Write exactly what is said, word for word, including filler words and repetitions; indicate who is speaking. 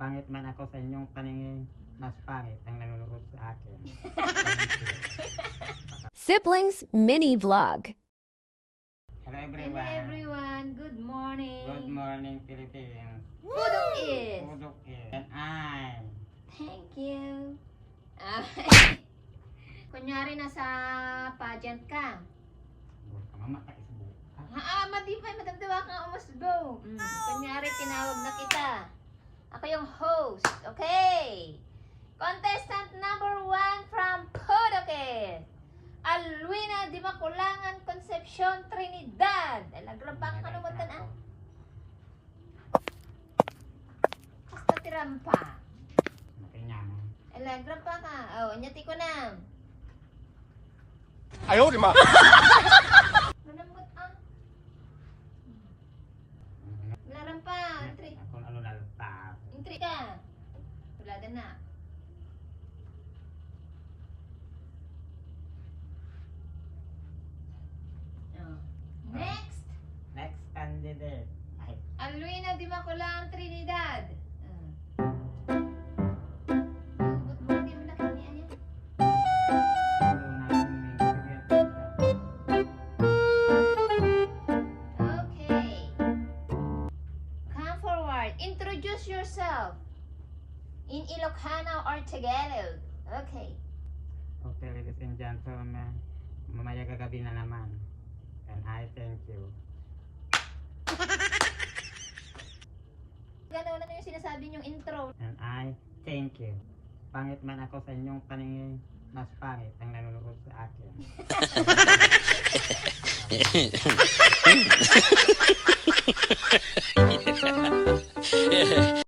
Speaker 1: Pangit man ako sa inyong paningin, mas pangit ang nanonood sa akin.
Speaker 2: Siblings Mini Vlog.
Speaker 1: Hello
Speaker 3: Hello
Speaker 1: everyone.
Speaker 3: everyone, good morning.
Speaker 1: Good morning Philippines.
Speaker 3: Pudok is.
Speaker 1: Pudok is. And I.
Speaker 3: Thank you. Ah, kunyari nasa pageant ka.
Speaker 1: Huwag ka mama ka isbo.
Speaker 3: Ah, madipay, madamdawa kang umusbo. Mm. Kunyari, tinawag na kita. Ako yung host, okay? Contestant number one from Pudokes. Alwina Di Maculangan, Concepcion, Trinidad. Alagrabang ka naman na. Basta tirampa.
Speaker 1: Makanya mo.
Speaker 3: Alagrabang ka. Oh, nyati ko na.
Speaker 4: Ayaw, di ma.
Speaker 3: Manamot ah. Laram pa. Entry.
Speaker 1: Ako ano lalapap.
Speaker 3: Entry ka. Tulada na. Oh. Next.
Speaker 1: Next candidate. Ay,
Speaker 3: Alwina Di Maculangan, Trinidad. Ah. Ba't mo di mo nakinian yan?
Speaker 1: ano namin may sabihin.
Speaker 3: Okay. Come forward. Introduce yourself in Ilocano or Tagalog. Okay.
Speaker 1: Okay, ladies and gentlemen. Mamaya gagabi na naman. And I thank you.
Speaker 3: Gano'n na yung sinasabi niyong intro.
Speaker 1: And I thank you. Pangit man ako sa inyong paningin, mas pangit ang nanonood sa akin.